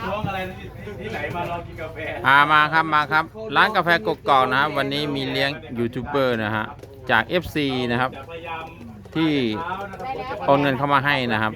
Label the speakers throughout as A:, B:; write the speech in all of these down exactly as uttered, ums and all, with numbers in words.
A: ท้องอะไรที่ไหนมาลองกินกาแฟ
B: อามาครับมาครับร้านกาแฟกกอกนะครับวันนี้มีเลี้ยงยูทูบเบอร์นะฮะจาก เอฟ ซี นะครับที่โอนเงินเข้ามาให้นะครับ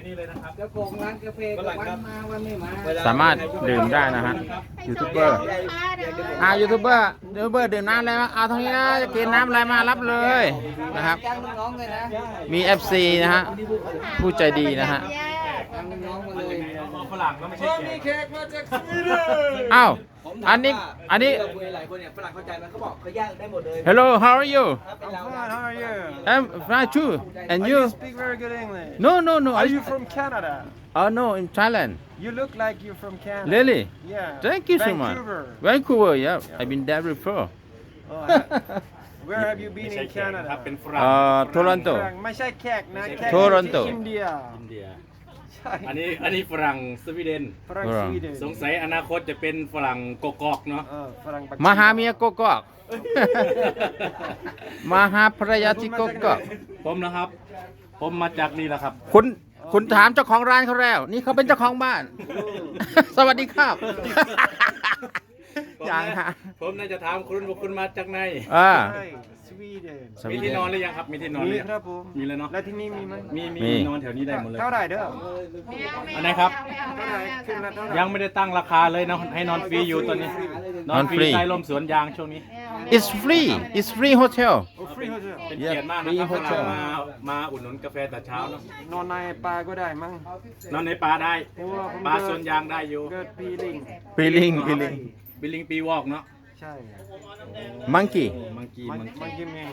B: สามารถดื่มได้นะฮะยูทูบเบอร์อ่ายูทูบเบอร์ยูทูบเบอร์ดื่มน้ำอะไรมาเอาตรงนี้นะจะกินน้ำอะไรมารับเลยนะครับมี เอฟ ซี นะฮะผู้ใจดีนะฮะ
A: ฝรั่งก็ไม่ใช่แขกมาจากสวีเดน
B: อ้าวอันนี้อันนี้
C: หลายคนเนี่ยฝรั่งเข้าใจมันเขาบอกเขาย่างได้หมดเลย
B: Hello how are you
C: I'm fine how are you
B: I'm fine too and you
C: speak very good English
B: No no no
C: Are you from Canada
B: Oh no in Thailand
C: You look like you're from Canada
B: Really
C: Yeah
B: Thank you so much Vancouver yeah I've been there before
C: Where have you been in Canada
A: ครับเป็นฝรั่ง
B: เอ่อ Toronto
C: ไม่ใช่แขกนะแขก
B: Toronto
C: อินเดีย
A: อินเดียอันนี้อันนี้ฝรั่งสวีเดน
C: ฝรั่งสวีเดน
A: สงสัยอนาคตจะเป็นฝรั่งกกอกเนาะ
C: เออฝรั่งปัก
B: มหาเมียกกอกมหาภรรยาที่กกอก
A: ผมนะครับ ผมมาจากนี่แหละครับ
B: คุณคุณถามเจ้าของร้านเขาแล้วนี่เขาเป็นเจ้าของบ้าน สวัสดีครับอย่างฮะ
A: ผมน่าจะถามคุณว่าคุณมาจากไหน
B: อ่า
C: ใช่สวีเดน
A: มีที่นอนหรือยังครับมีที่นอนห
C: มี
A: รือยัง
C: ครับผม
A: มีแล้วเนาะ
C: แล้วที่นี่มีไหม
A: มีมี
B: มี
A: นอนแถวนี้ได้หมดเลย
C: เท่าไหร่เด้อ
A: อันไหนครับ
C: เท่าไหร่ขึ้นละเท่าไหร่
A: ยังไม่ได้ตั้งราคาเลยนะให้นอนฟรีอยู่ตอนนี้นอนฟรีใต้ร่มสวนยางช่วงนี้
B: It's free It's free hotel
C: โอ้ฟรีโฮเทล
A: เป็นเกียรติมากนะครับ
B: Yeah, free hotel
A: มามาอุดหนุนกาแฟแต่เช้าเนาะ
C: นอนในป่าก็ได้มั้ง
A: นอนในป่าได้
C: เพราะว่าผม
A: ป่า
C: เกิด
A: สวนยางได้อยู่
C: เกิดปีลิง
B: feeling feeling
A: บิลลิงปีวอกเนาะ
C: ใช่
B: monkey
A: มังกี้
C: มัน
A: มัง
C: มัน
A: กี้
C: กินเอง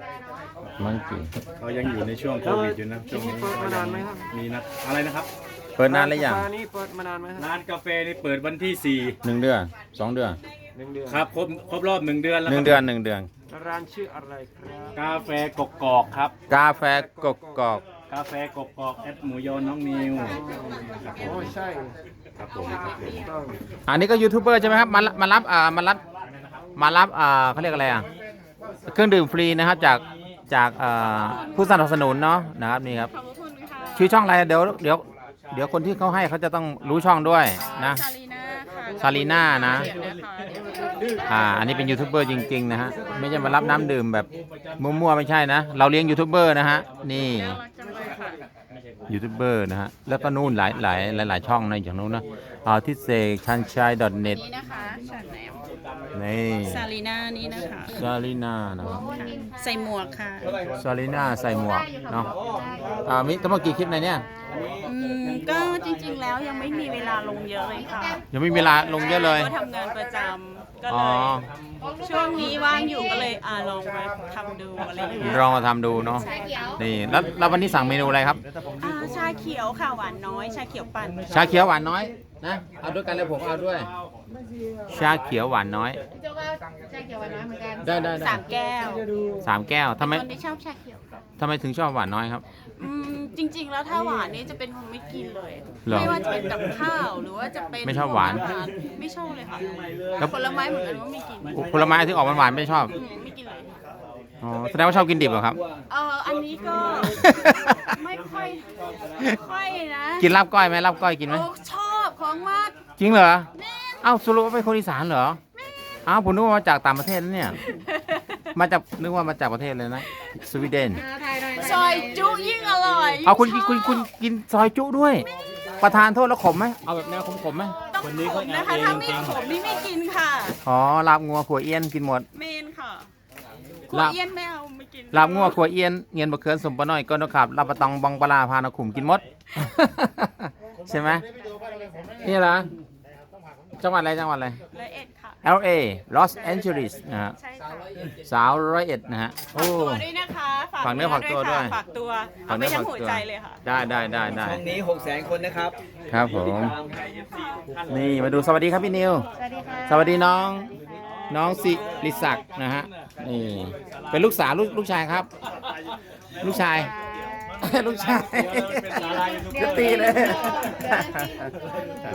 B: monkey
A: เขายังอยู่ในช่วงโควิดอยู่นะช่วงนี้
C: เปิดมานานไหมครับ
A: มีนะอะไรนะครับ
B: เปิดนานหรือยัง
C: ร้านนี้เปิดมานานไหมครับ
A: ร้านกาแฟนี่เปิดวันที่สี่
B: หนึ่งเดือนสองเดือน
C: หนึ่งเดือน
A: ครับครบครบรอบหนึ่งเดือนแล้ว
B: หนึ่ง
A: ครับ
B: เดือนหนึ่งเดือน
C: ร้านชื่ออะไรครับ
A: กาแฟกกอกครับ
B: กาแฟกกอก
A: กาแฟกกอกแอดหมูยอน้องนิว
C: โอ้ใช่
A: ครับผมครับผม
C: ต้อง
B: อันนี้ก็ยูทูบเบอร์ใช่ไหมครับมามารับอ่ามารับมารับอ่าเขาเรียกอะไรอ่ะเครื่องดื่มฟรีนะครับจากจากอ่าผู้สนับสนุนเนาะนะครับนี่ครับชื่อช่องอะไรเดี๋ยวเดี๋ยวเดี๋ยวคนที่เขาให้เขาจะต้องรู้ช่องด้วยนะ
D: ซาลีน่าค่ะ
B: ซาลีน่านะ
D: เดี๋ยวนะคะเดี๋ยว
B: อ่าอันนี้เป็นยูทูบเบอร์จริงๆนะฮะไม่ใช่มารับน้ำดื่มแบบมั่วๆไม่ใช่นะ เราเลี้ยงยูทูบเบอร์นะฮะนี่
D: น่ารักจังเลยค่ะ
B: ยูทูบเบอร์นะฮะแล้วก็นู่นหลายหลายหลายหลายช่องนะอย่างนู้นนะอ่าที่เซชันชัย .net
D: นี่นะคะฉันแหนม
B: นี่
D: ซาลีน่านี่นะคะ
B: ซาลีน่านะครับ
D: ใส่หมวกค่ะ
B: ซาลีน่าใส่หมวกเนาะอ่ามีทั้งหมดกี่คลิปในเนี้ย
D: อืมก็จริงๆแล้วยังไม่มีเวลาลงเยอะเลยค่ะ
B: ยังไม่มีเวลาลงเยอะเลย
D: ก็ทำงานประจำก็
B: อ๋
D: เล
B: อ
D: ยช่วงนี้ว่างอยู่ก็เลยอ่าลองมาทำดูอะไรอย่างเงี้ย
B: ลองมาทำดูเนาะนี่แล้วแล้ววันนี้สั่งเมนูอะไรครับ
D: อ่าชาเขียวค่ะหวานน้อยชาเขียวปั่น
B: ชาเขียวหวานน้อยนะเอาด้วยกันเลยผมเอาด้วย ชาเขียวหวานน้อย
E: โจ๊กก็ชาเขียวหวานน้อยเหมือนกัน
B: ได้ได้ได้
D: สามแก้ว
B: สามแก้วทำไม
D: คนที่ชอบชาเขียว
B: ทำไมถึงชอบหวานน้อยครับ
D: อืมจริง ๆ แล้วถ้าหวานนี่จะเป็นคนไม่กินเลย
B: เหรอ
D: ไม่ว่าจะเป็นกับข้าวหรือว่าจะเป็น
B: ไม่ชอบหวาน
D: อรไม่ชอบเลยค่ะ
B: แล้ว
D: ผลไม้เหมือนกันว่าไม่กิน
B: ผลไม้ที่ออกหวานๆไม่ชอบ
D: อืมไม่กินเลย
B: อ๋อแสดงว่าชอบกินดิบเหรอครับ
D: เอออันนี้ก็ ไม่ค่อยค่อยนะ
B: กินลาบก้อยไหมลาบก้อยกินไหม
D: โอ้ชอบของมาก
B: จริงเหรอ
D: แม่
B: เอ้าสรุปว่าเป็นคนอีสานเหรออ้าวผมนึกว่ามาจากต่างประเทศนะเนี่ย มาจากนึกว่ามาจากประเทศเลยนะ สวีเดน
D: ซอยจุยิ่งอร่อย
B: เอาคุณ
D: ช
B: คุณ
D: บ
B: คุณกินซอยจุด้วย ประทานโทษแล้วขมไหมเอาแบบแนวขมๆไหม
D: ต้องขมนะคะถ้าไม่ขมนี่ไม่กินค่ะ
B: อ๋อลาบงัวขัวเอียนกินหมด
D: เมนค่ะขัว
B: ลาบ
D: เอี้ยนไม่เอาไม่กิน
B: ลาบงัวขัวเอียนเงียนบะเขือนสมปะน้อยก้นนกขับลาบปะตองบองปลาพานขุมกินหมด ใช่ไหมนี่เหรอจังหวัดอะไรจังหวัดอะไร
D: ละเอ็ดค่ะ
B: แอล เอ Los Angeles นะฮะ
D: ใช่ค่ะ
B: สาวร้อยเอ็ดนะฮะโอ้
D: ตัวด้วยนะคะ
B: ฝากเนื้อฝากตัวด้วย
D: ค่ะฝากตัว
B: ฝา
D: เอา
B: ก
D: ไป
B: เนื้อ
D: ทั้
B: ฝาง ก
D: หัว
B: ตัว
D: ใจเลยค่ะ
B: ได้ได้ได้ได้
C: ช่องนี้หกแสนคนนะครับ
B: ครับผม นี่มาดูสวัสดีครับพี่นิว
E: สวัสดีค่ะ
B: สวัสดีน้องน้องสิริศักดิ์นะฮะนี่เป็นลูกสาวลูกลูกชายครับ ลูกชาย ลูกชาย
A: เป็นดารายูทูบเบอร์
B: จะตีเลย
A: เดี๋ยว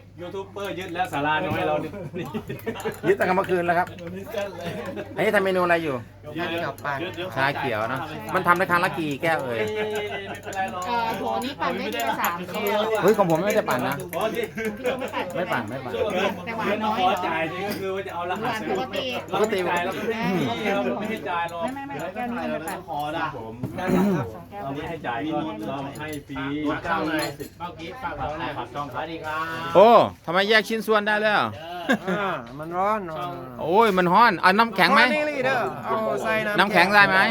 A: ยูทูบเบอร์ยึดแล้วสาราน้อยเราเนี่ย
B: ยึดตั้งแต่เมื่อคืนแล้วครับอันนี้ทำเมนูอะไรอยู่
A: ยึดเดี๋ยวปั่น
B: ชาเขียวนะมันทำได้ครั้งละกี่แก้วเอ่ย
A: ไม่เป็นไรหรอก
E: เอ่อโถนี้ปั่นได้ทีละสามแก้ว
B: เฮ้ยของผมไม่ได้ปั่นนะ
A: พอสิ
E: พี่โจไม่ปั่น
B: ไม่ปั่นไม่ปั่น
E: แต่หวา
A: เงิ
E: น
A: น
E: น้อย
A: ข
E: เห
A: อ
E: รอ
A: จ่ายนี่ก็คือว่าจะเอาร
E: ห
A: หั
E: วา
A: ส
E: นปกติ
A: เราไม่จ่ายเราก็ไม่ให้เราไม่ให้จ่ายหรอก
E: ไม่ไม่ไม่แก้วนี้ไม่ปั่น
A: ขอได้ผมเราไม่ให้จ่ายก็เราให้ฟรีเก้าเลยสิบเมื่อกี้ฝากเราเนี่ยฝากช่องสวัสดีครับ
B: โอ้ทำไมแยกชิ้นส่วนได้แล้ว
C: อ่ามันร้อนร้อน
B: โอ้ยมันฮ้อนเอาน้ำแข็งไหม
C: นี่ลีเด้อเอาใส่น้ำ
B: น้ำแข็งได้ไหม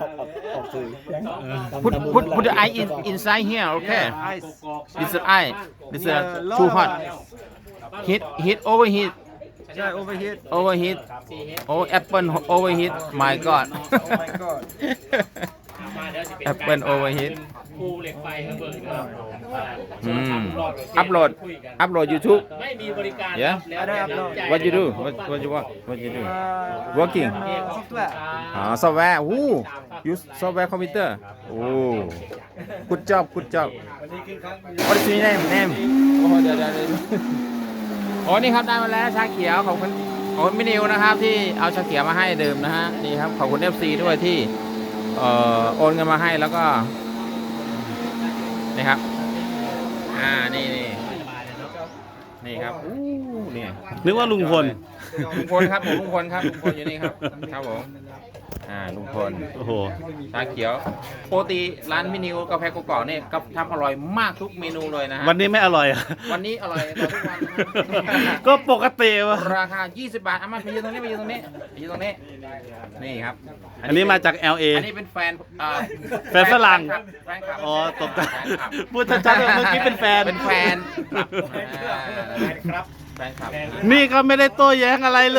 B: put put put the ice in inside here okay this is ice this is too hot heat heat overheat
C: ใช่ overheat
B: overheat oh apple overheat my god
C: oh my god
B: apple overheat
A: ภูเหล็กไฟระเบิดครับ
B: อืมอัพโหลดอัพโหลด YouTube
A: ไม่มีบริการ
B: yeah
C: ไม่ได้อัพโหลด
B: what you do what what you work what you do working
C: เอ่อ software
B: อ๋อ software อู้ use software computer โอ้ good job good job what is your name name โอ้เดี๋ยวเดี๋ยวเดี๋ยวโอ้นี่ครับได้มาแล้วชาเขียวขอบคุณขอบคุณพี่นิวนะครับที่เอาชาเขียวมาให้ดื่มนะฮะนี่ครับขอบคุณ เอฟ ซี ด้วยที่เอ่อโอนเงินมาให้แล้วก็นี่ครับอ่านี่นี่นี่ครับอู้นี่
F: นึกว่าลุงพล
B: ลุงพลครับผมลุงพลครับลุงพลอยู่นี่ครับครับผมอ่าลุงพล
F: โอ้โห
B: ชาเขียวปกติร้านพี่นิวกาแฟกกอกเนี่ยก็ทำอร่อยมากทุกเมนูเลยนะฮะ
F: วันนี้ไม่อร่อยอะ
B: วันนี้อร่อยกว่าทุกวันนะครับ
F: ก็ปกติวะ
B: ราคา ยี่สิบบาทเอามาไปยืนตรงนี้ไปยืนตรงนี้ไปยืนตรงนี้นี่ครับ
F: อันนี้มาจาก แอล เอ
B: อันนี้เป็นแฟนอ่า
F: แฟนฝรั่ง
B: แฟนคลับ
F: อ๋อตกใจ
B: แฟนคลับ
F: พูดชัดๆเลยเมื่อกี้เป็นแฟน
B: เป็นแฟนครับ
A: แฟนครับ
B: แฟนคลับ
F: นี่ก็ไม่ได้โต้แย้งอะไรเลย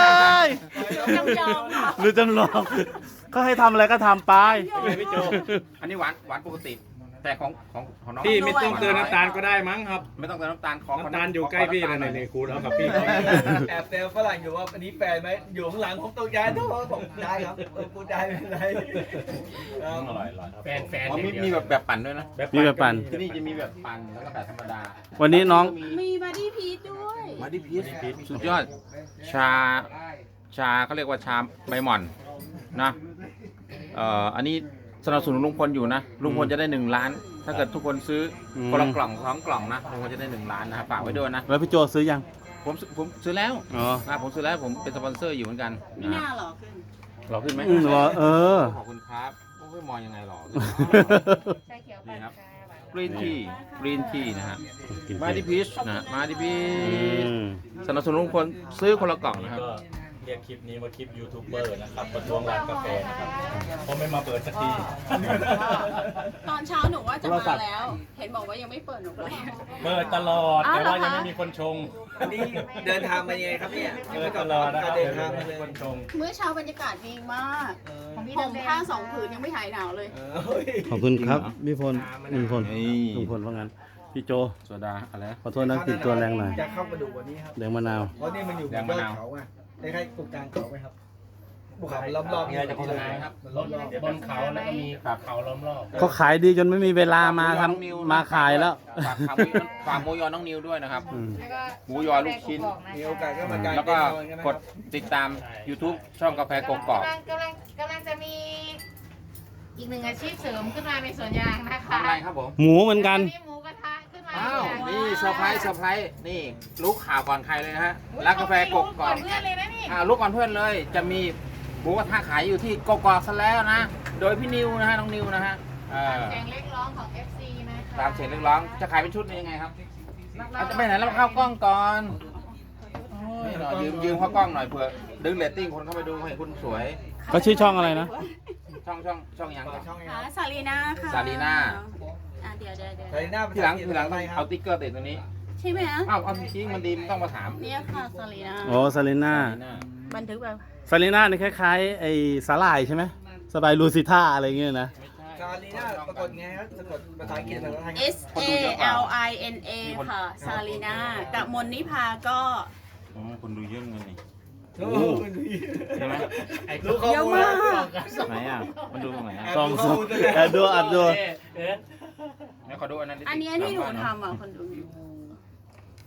D: จำยอมค่ะ
F: หรือจำลองก็ให้ทำอะไรก็ทำไป
A: พี่โจ
B: อันนี้หวานหวานปกติ แต่ของของของน้อง
A: พี่ไม่ต้องเติมน้ำตาลก็ได้มั้งครับ
B: ไม่ต้องเติมน้ำตาลขอ
A: น้ำตาลอยู่ใกล้พี่เลยนี่คูณเอากับพี่
G: แอบเซลฝรั่งอยู่ว่าอันนี้แฟนไหมอยู่ข้างหลังผมตกใจทุกคนบอกได้ครับเออพูดได้ไม่เป็นไรครับ
A: อร่อยอร่อยแฟนแฟน
B: อ๋อมีมีแบบแบบปั่นด้วยนะ
F: มีแบบปั่น
B: ที่นี่จะมีแบบปั่นแล้วก็แบบธรรมดา
F: วันนี้น้อง
D: มีบัดดี้พีชด้วย
B: มาดิพีชสุดยอด ชา ชาเขาเรียกว่าชาใบหม่อนนะเอ่ออันนี้สนับสนุนลุงพลอยู่นะ ลุงพลจะได้หนึ่งล้าน ถ้าเกิดทุกคนซื้ออ
F: ม
B: คนละกล่องสองกล่องนะ ลุงพลจะได้หนึ่งล้านนะครับฝากไว้ด้วยนะ
F: แล้วพี่โจซื้อยัง
B: ผมซื้อผมซื้อแล้ว
F: อ๋อ
B: นะผมซื้อแล้วผมเป็นสปอนเซอร์อยู่เหมือนกัน
D: ไม่น่าหรอกขึ้น
B: หล่อขึ้นไหม
F: อืมเหรอเออ
B: ขอบคุณครับโอ้ยมองยังไงหล่อ
E: ชาเขียวปั่นชาหวาน
B: กรีนทีกรีนทีนะฮะ มาดิพีชนะ มาดิพีช
F: อืม
B: สนับสนุนลุงพลซื้อคนละกล่องนะครับ
A: ก็เรียกคลิปนี้ว่าคลิปยูทูบเบอร์นะครับประท้วงร้านกาแฟนะครับเพราะไม่มาเปิดสักที
D: ตอนเช้าหนูว่าจะมาแล้ว เห็นบอกว่ายังไม่เปิดหนูเลย
A: เปิดตลอด
D: อ้าว
A: แต่ว่า
D: เหรอคะ
A: ยังไม่มีคนชง
G: อันนี้เดินทางมายังไงครับเนี่ย
A: เปิดตลอดนะครับ
G: เดิ
A: เดี๋
G: น
A: ยว
G: ทาง
A: ไม่
G: มาเล
A: มี
G: ย
A: คนชง
D: เมื่อเช้าบรรยากาศดีมาก
E: ของพี่
D: ผม
E: ดำแด
D: ผ้าง สองผืนยังไม่หายหนาวเลย
G: เออเฮ้ย
F: ขอบคุณครับพี่พลลุงพล
B: นี่
F: ลุงพลว่างั้น พี่โจ
B: โซดาอะไรนะ
F: ขอโทษนะติดตัวแรงหน่อย
G: จะเข้ามาดูวันนี้ครับ
F: แดงมะนาว
G: เพราะนี่มันอยู่บนยอดเขาไงคล้ายๆกลุ่มกลางเขาไหมครับภูเขามันล้อมๆ
A: มีอะไรจะโฆษณาไหมครับ
G: มันล้อมๆ
A: บนเขาแล้วก็มีเขาล้อมรอบ
F: เขาขายดีจนไม่มีเวลามาทำมาขายแล้ว
B: ฝากฝากหมูฝากหมูยอน้องนิวด้วยนะครับ
F: อืม
E: แล้วก็
B: หมูยอลูกชิ้น
G: มีโอกาสก็มากาง
B: แล้วก็
G: เต็นท์นอนนนะ
B: กดติดตาม YouTube ช่องกาแฟกกอก
E: กำลังกำลังกำลังจะมีอีกหนึ่งอาชีพเสริมขึ้นมาในสวนยางนะคะ
B: ทำอะไรครับผม
F: หมูเหมือนกัน
E: มีหมูกระทะขึ้นมา
B: อ้าว นี่เซอร์ไพรส์เซอร์ไพรส์นี่รู้ข่าวก่อนใครเลยนะฮะร้านกาแฟกก
E: ก่
B: อ
E: อก นเพื่อนเลยนะนี่
B: อ่ารู้ก่อนเพื่อนเลย จะมีหมูกระทะขายอยู่ที่กกอกซะแล้วนะ โดยพี่นิวนะฮะน้องนิวนะฮะเออ
E: เสียงเล็กร้องของ เอฟ ซี นะคะ
B: ตามเสียงเรียกร้องจะขายเป็นชุดนี้ยังไงครับอาจจะไปไหนแล้วเข้ากล้องก่อนโอ้ยหน่อยยืมยืมเข้ากล้องหน่อยเผื่อดึงเรตติ้งคนเข้าไปดูให้คุณสวย
F: ก็ชื่อช่องอะไรนะ
B: ช่องช่องช่องยังครับ
G: ช่องไง
D: อ่าซาลีน่าค่ะ
B: ซาลีน่า
D: อ่าเดี๋ยวเดี๋ยวเดี๋ยว
G: ใส่หน้า
B: ทีหลังทีหลัง
G: ไปค
B: เอา
G: รับ
B: ติ๊กเกอร์ติดตรงนี้
D: ใช่ไหมฮะ
B: อ้าวเอาจริงๆมันดีมันต้องมาถาม
D: เนี่ยค่ะซาลีน่า
F: โอ้ซาลิน่า
D: บันทึกแบบ
F: ซาลิน่านี่คล้ายๆไอ้สาหร่ายใช่ไหมสบายลูซิท่าอะไรเงี้ยนะ
G: ซาลีน่าปรากฏไงครับสะกดภาษาอังกฤษภาษาไทย
D: S A L I N A ค่ะซาลีน่ากับมนนิพาก็
B: อ๋อคนดูเยอะเงินนี่
G: โอ้โห
B: ใช่ไหม
G: รู้ข้อ
D: เยอะ
G: มูล
D: มาก
B: ไหนอ่ะมันดูตรงไหนอ่ะ
F: ซองซองแอบดูอัดดู
B: ไหนขอดูอันนั้นดิ
D: อันเนี้ยที่หนูทำอ่ะคนดู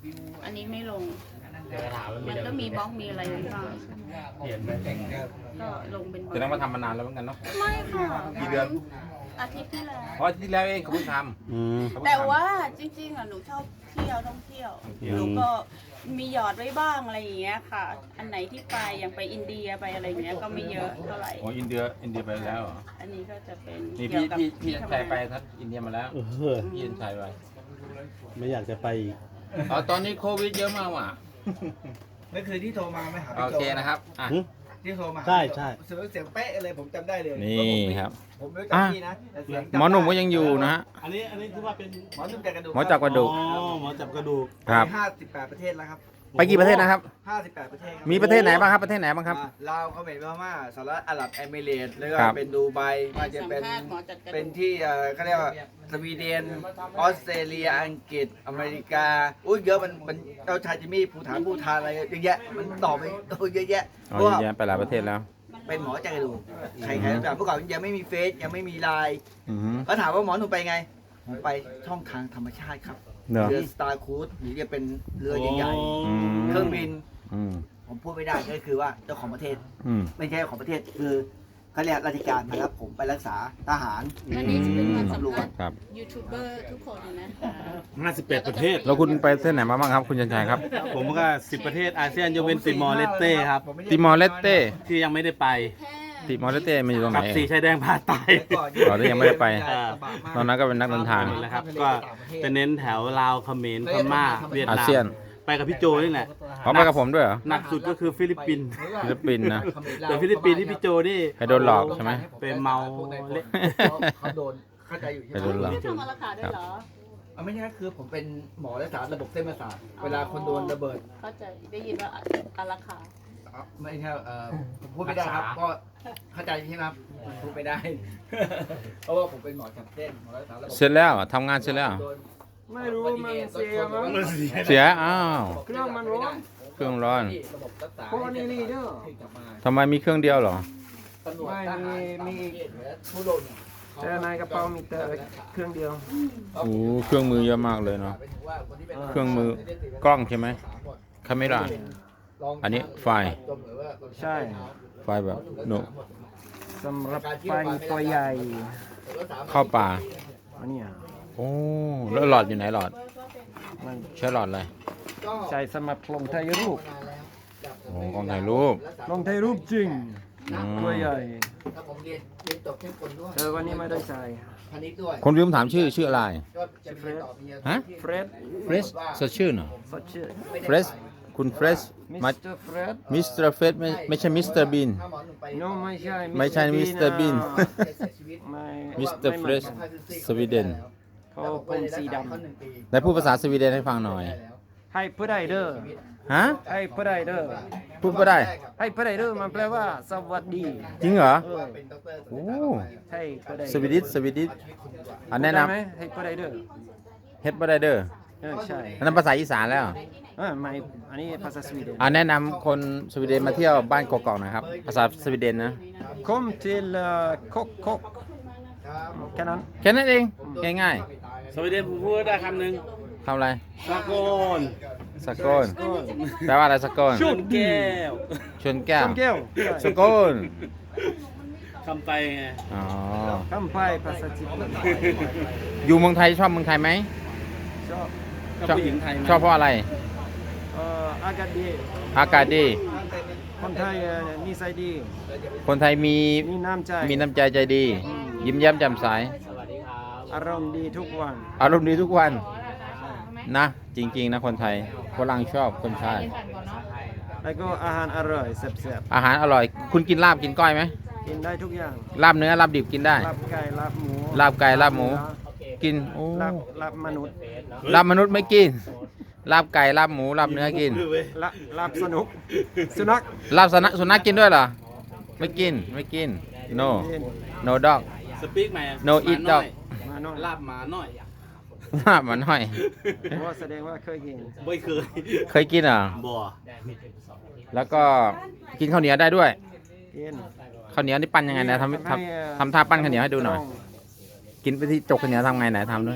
D: อันนี้ไม่ลง มันก็มีบล็อกมีอะไรบ้าง
A: เปลี่ยนไป
D: ก็ลงเป็นบล็อก
B: จะต้องมาทำมานานแล้วเหมือนกันเนาะ
D: ไม่ค่ะ
B: กี่เดือน
D: อาทิตย์ที่แล้ว
B: เพราะอาทิตย์ที่แล้วเองเขาเพิ่งท
F: อืม
B: ำเขเพิ่งทำ
D: แต่ว่าจริงๆอ่ะหนูชอบเที่ยวท่องเที่ยว
B: ท่องเที่ยว
D: หนูก็มีหยอดไว้บ้างอะไรอย่างเงี้ยค่ะ อันไหนที่ไปอย่างไปอินเดียไปอะไรอย่างเงี้ยก็ไม่เยอะเท่าไหร่
B: โอ้อินเดียอินเดียไปแล้วเหรอ
D: อันนี้ก็จะเป็น
B: นี่
D: เกี่
B: พี่
D: ยวกับ
B: พี่พี่
D: ที่ทำ
B: ชาย
D: งาน
B: ไปทัดอินเดียมาแล้ว
F: เออ
B: พี่ชายไป
F: ไม่อยากจะไปอีก
B: อ๋อตอนนี้โควิดเยอะมากว่ะ
G: นั่นคือที่โทรมาไหมหา
B: โอ
G: พี่โจ
B: เคนะครับอ่ะ
F: หึ
G: ที่โทรมา
F: ใช่ใช่
G: เสียงเสียงเป๊ะเลยผมจำได้เลย
B: นี่ครับ
G: ผมไม่รู้จักพี่นะแต่เสียงจำ
B: หมอหนุ่มก็ยังอยู่นะฮะ
F: อันนี้อันนี้ถือว่าเป็น
G: หมอหนุ่มจากกระดูก
B: หมอจับกระดูก
F: อ๋อหมอจับกระดูก
B: ครับ
G: ห้าสิบแปดประเทศแล้วครับ
B: ไปกี่ประเทศนะครับ
G: ห้าสิบแปดประเทศครับ
B: มีประเทศไหนบ้างครับ ประเทสไหนบ้างครับ
G: อ่าลาวเขมรพม่าสหรัฐอาหรับเอมิเรตส์แล้วก็
B: ครับ
G: เป็นดูไบว่าจะเป็น
D: สัมภาษณ์หมอจัดกระดูก
G: เป็นที่เอ่อเขาเรียกว่าสวีเดนออสเตรเลียอังกฤษอเมริกาอุ้ยเยอะมันมันเจ้าชายจิมมี่ภูฐานภูทานอะไรเยอะแยะมันต่อไปโอ้ยเยอะแยะ
B: อ๋อ
G: เพราะว่า
B: เยอะแยะไปหลายประเทศแล้ว
G: เป็นหมอจากกระดูกใครๆรู้จักเมื่อก่อนยังไม่มีเฟซยังไม่มีไลน์
B: อือหือ
G: เขาถามว่าหมอหนูไปไงผมไปช่องทางธรรมชาติครับ
B: เนอะ
G: เรือสตาร์คูดหรือจะเป็นเรือใหญ่
B: อืม
G: ๆเครื่องบิน
B: อืม
G: ผมพูดไม่ได้ก็คือว่าเจ้าของประเทศ
B: อืม
G: ไม่ใช่เจ้าของประเทศคือเขาเรียกราชการมารับผมไปรักษาทหาร
D: อันนี้จะเป็นการสัมภาษณ์
B: ครับ
D: ยูทูบเบอร์ทุกคนนะ
F: ห้าสิบแปดประเทศ
B: แล้วคุณไปประเทศไหนมาบ้างครับ คุณชันชัยครับ
F: ผมก็สิบประเทศอาเซียนยกเว้นติมอร์เลสเต้ครับ
B: ติมอร์เลสเต้
F: ที่ยังไม่ได้ไป
B: ติมอร์เลสเต้มันอยู่ตรงไหน
F: กับสีชายแดงภาคใต้
B: อ๋อแล้วยังไม่ได้ไป ตอนนั้นก็เป็นนักเดินทาง
F: นั่นแหละครับ ก็จะเน้นแถวลาวเขมรพม่าเวียด
B: อา
F: นา
B: เซียน
F: มไปกับพี่โจนี่แหละ
B: เขาไปกับผมด้วยเหรอ
F: หนักสุดก็คือฟิลิปปินส์
B: ฟิลิปปินส์นะ
F: แต่ฟิลิปปินส์ที่พี่โจนี่
B: ไปโดนหลอกใช่ไหม
F: ไปเมาเละ
G: เขาโดนเข้าใจอยู่ใช่
B: ไป
G: ไห
B: โดนหล
G: ม
B: อก
D: ไม่ทำมาราคาด้วยเหรอ
G: อ่ะไม่ใช่คือผมเป็นหมอรักษาระบบเส้นประสาทเวลาคนโดนระเบิด
D: เข้าใจได้ยินว่าอาราคา
G: อ่ะไม่ใช่เอ่อผมพูดไม่ได้ครับก็เข้าใจใช่ไหมครับพูดไม่ได้ เพราะว่าผมเป็นหมอจับเส้นหมอรักษาระบบ
B: เสร็จแล้วทำงานเสร็จแล้ว
G: โดน
C: ไม่รู้มันเสียมั้ง
B: เสีย อ้าว
C: เครื่องมันร้อน
B: เครื่องร้อน
G: ระบบรักษา
C: เพราะว่านี่นี่เด้อ
G: ให้กลับมา
B: ทำไมมีเครื่องเดียวเหรอ
G: ตำรวจ
C: ไม่
G: ทหาร
C: มีมี
G: ผู้โดนเนี่ย
C: แต่ในกระเป๋ามีแต่เครื่องเดียว
B: โอ้เครื่องมือเยอะมากเลยเนาะ เครื่องมือกล้องใช่ไหมคาเมราอันนี้ไฟล์
C: ใช่
B: ไฟล์แบบโน
C: สำหรับไฟตัวใหญ่
B: เข้าป่า
C: อันเนี้ย
B: โอ้แล้วหลอดอยู่ไหนหลอด
C: มัน
B: ใช้หลอดอะไร
C: ใช้สำหรับลงถ่ายรูป
B: โอ้กล้องถ่ายรูป
C: ลงถ่ายรูปจริง
B: อืม
C: ตัวใหญ่
G: ถ้าผมเรียนเรียนจบแค่คนด้วย
C: แต่วันนี้ไม่ได้ใส่
G: พาณิชย์ด้วย
B: คนลืมถามชื่อชื่ออะไร
G: ก็จะไปเรียนต่อปริญญาโท
B: ฮะ
G: ที่
C: เฟรด
B: เฟรชสดชื่อเหรอ
C: สดชื่อ
B: เฟรชคุณเฟรช
C: มิ
B: มา
C: สเตอร์เฟรด
B: มิสเตอร์เฟรชไม่ไม่ใช่มิสเตอร์บีน
G: ถ้าหมอหนุ่มไป
C: โนไม่ใช่
B: ไม่ใช่ Mister Bean
C: นะ
G: จะเสียชีวิต
C: ไม่
B: มิสเตอร์เฟรชสวีเดน
C: เขาผมสีด
G: เขาหนึ่งปี
B: ได้พูดภาษาสวีเดนให้ฟังหน่อย
C: ำให้ผู้ใดเด้อ
B: ฮะ
C: ให้ผู้ใดเด้อ
B: พูดก็ได้
C: ให้ผู้ใดเด้อมันแปลว่าสวัสดี
B: จริงเหรอ
C: เออ
G: เป็นด็อกเตอร์
B: โอ้
C: ให้ผู้ใด
B: สวีดิชสวีดิชอันแนะน
C: ได้ไหมให้ผู้ใดเด้อ
B: ำเฮ็ดบ่ได้เด้อ
C: เออใช่
B: อันนั้นภาษาอีสานแล้ว
C: เออไม่อันนี้ภาษาสวีเดน
B: อันแนะนำคนสวีเดนมาเที่ยวบ้านกอกๆหนะครับ ภาษาสวีเดนนะ
C: Kom till uh, Kok Kok แค่นั้น
B: แค่นั้นเอง ง่าย
F: สวีเดนผมพูดได้คำหนึ่ง
B: ๆทำอะไร
F: สากล
B: สกลแปลว่าอะไรสกล
F: ชนแก้ว
B: ชนแก้ว
C: คำแก้ว
B: สกล
F: คำไปไง
B: อ๋อ
C: คำไปภาษาจีน
B: อยู่เมืองไทยชอบเมืองไทยไหม
C: ชอบ
F: กับผู้หญิงไทยไหม
B: ชอบเพราะอะไร
C: เอ่ออากาศดี
B: อากาศดี
C: คนไทยเอ่อนิสัยดี
B: คนไทยมี
C: มีน้ำใจ
B: มีน้ำใจใจดี ยิ้มแย้มแจ่มใส
C: อารมณ์ดีทุกวัน
B: อารมณ์ดีทุกวันนะ จริงๆนะคนไทยฝรั่งชอบคนไทย
C: แล้วก็อาหารอร่อยแซ่บ
B: อาหารอร่อย คุณกินลาบกินก้อยไหม
C: ๆกินได้ทุกอย่าง
B: ลาบเนื้อลาบดิบกินได้
C: ลาบไก่ลาบหมู
B: ลาบไก่ลาบหมู กินโอ้
C: ลาบลาบมนุษย์
B: ลาบมนุษย์ไม่กิน ลาบไก่ลาบหมูลาบเนื้อกิน
C: ลาลาบสนุกสุนัข
B: ลาบสุนัขสุนัขกินด้วยเหรอ ไม่กินไม่กิน no
C: กิน
B: no dog
F: สปีกไหม
B: No eat dog
C: มาหน่อย
F: ลาบหมาหน่อย
B: ลาบมันหน่อย
C: เพราะว่าแสดงว่าเคยกิน
F: ไม่เคย
B: เคยกินเหรอ
F: บ่
B: แล้วก็กินข้าวเหนียวได้ด้วย
C: กิน
B: ข้าวเหนียวนี่ปั้นยังไงนะทำทำทำท่าปั้นข้าวเหนียวให้ดูหน่อย กินไปที่จกข้าวเหนียวทำไงไหนทำด้วย
D: เจีย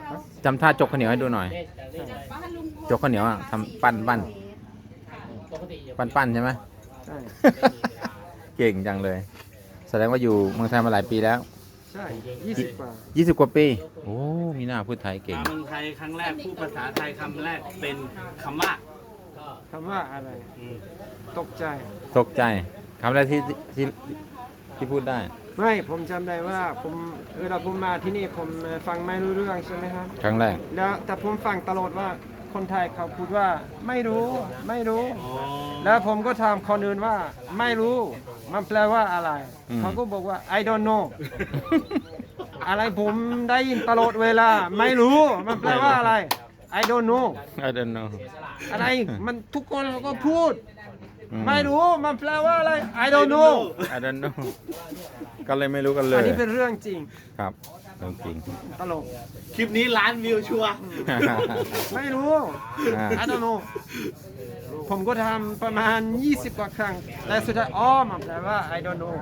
B: จำท่าจกข้าวเหนียวให้ดูหน่อย จกข้าวเหนียวอ่ะทำปั้นปั้นปั้นปั้นใช่ไหม
C: ใช่
B: เก่งจังเลย แสดงว่าอยู่เมืองไทยมาหลายปีแล้ว
C: ใช่ยี่สิบกว่า
B: ยี่สิบกว่าปี โอ้ มีหน้าพูดไทยเก่ง
F: มาเมืองไทยครั้งแรกพูดภาษาไทยคำแรกเป็นคำว่า
C: คำว่าอะไร ตกใจ
B: ตกใจคำแรกที่ที่ที่พูดได้
C: ไม่ผมจำได้ว่าผมเวลาผมมาที่นี่ผมฟังไม่รู้เรื่องใช่ไหมครับ
B: ครั้งแรก
C: แล้วแต่ผมฟังตลอดว่าคนไทยเขาพูดว่าไม่รู้ไม่รู้ แล้วผมก็ถามคนอื่นว่าไม่รู้มันแปลว่าอะไร
B: อืม
C: เขาก็บอกว่า I don't know อะไรผมได้ยินตลอดเวลาไม่รู้มันแปลว่าอะไร I don't know
B: I don't know
C: อะไรมันทุกคนเขาก็พูด
B: อื
C: ไม่รู้มันแปลว่าอะไร I don't know
B: I don't know ก็เลยไม่รู้กันเล
C: อัน
B: ย
C: นี้เป็นเรื่องจริง
B: ครับเรื่องจริง
C: ตลก
F: คลิปนี้ล้านวิวชัวร์
C: ไม่รู้
B: อ่า
C: I don't know ผมก็ทำประมาณยี่สิบกว่าครั้งแต่สุดท้ายอ๋อมันแปลว่า I don't know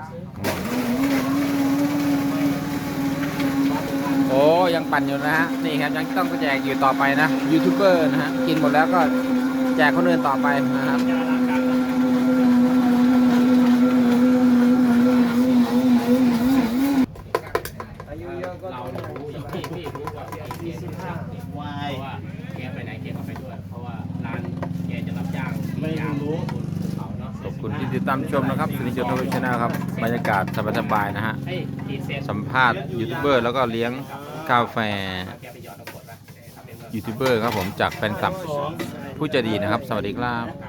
B: โอ้ยังปั่นอยู่นะฮะ นี่ครับยังต้องแจกอยู่ต่อไปนะ ยูทูบเบอร์นะฮะ กินหมดแล้วก็แจกคนอื่นต่อไปนะครับ
C: อายุเยอะก็ต้อง
A: พี่พี่รู้ว่าพี่สิบห้าวายเพราะว่าแกไปไหนแกก็ไปด้วย เพราะว่าร้านแกจะรับจ้างไม่รู้เขาเนาะ
B: ขอบคุณที่ติดตามชมนะครับสุนิจโทวิชนะครับ บรรยากาศสบายๆนะฮะ
A: ให้กี่เซน
B: สัมภาษณ์ยูทูบเบอร์แล้วก็เลี้ยงกาแฟ
A: แกไปหยอดตะกรวดป่ะ
B: ยูทูบเบอร์ครับผมจากแฟนคลับผู้ใจดีนะครับ สวัสดีครับ